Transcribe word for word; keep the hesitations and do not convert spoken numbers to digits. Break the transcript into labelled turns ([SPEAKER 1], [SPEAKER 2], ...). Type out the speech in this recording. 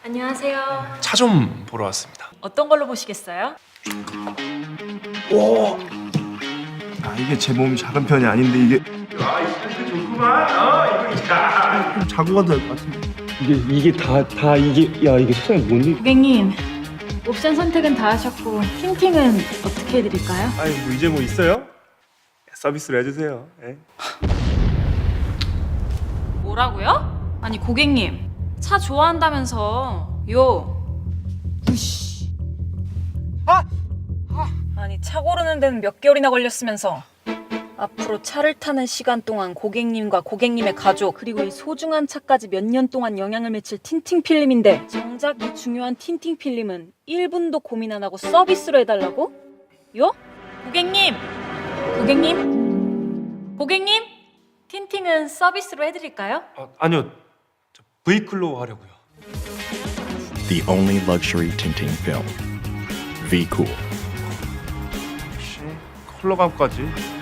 [SPEAKER 1] 안녕하세요.
[SPEAKER 2] 차 좀 보러 왔습니다.
[SPEAKER 1] 어떤 걸로 보시겠어요?
[SPEAKER 3] 오! 아 이게 제 몸이 작은 편이 아닌데 이게
[SPEAKER 4] 아, 이 텐트 좋구만. 어, 이거 야.
[SPEAKER 3] 좀 자고 가도 될 것 같은데.
[SPEAKER 5] 이게 이게 다 다 이게 야 이게 세상에 뭔데?
[SPEAKER 1] 고객님, 옵션 선택은 다 하셨고 틴팅은 어떻게 해드릴까요?
[SPEAKER 4] 아니 뭐 이제 뭐 있어요? 서비스로 해주세요. 예?
[SPEAKER 1] 뭐라고요? 아니 고객님, 차 좋아한다면서 요. 우씨. 아! 아니 차 고르는 데는 몇 개월이나 걸렸으면서 앞으로 차를 타는 시간 동안 고객님과 고객님의 가족 그리고 이 소중한 차까지 몇 년 동안 영향을 미칠 틴팅 필름인데 정작 이 중요한 틴팅 필름은 일 분도 고민 안 하고 서비스로 해달라고? 요? 고객님! 고객님? 고객님? 틴팅은 서비스로 해드릴까요?
[SPEAKER 2] 아, 아니요, 저 브이클로 하려고요.
[SPEAKER 6] The only luxury tinting film. V Cool.
[SPEAKER 4] 컬러 감까지.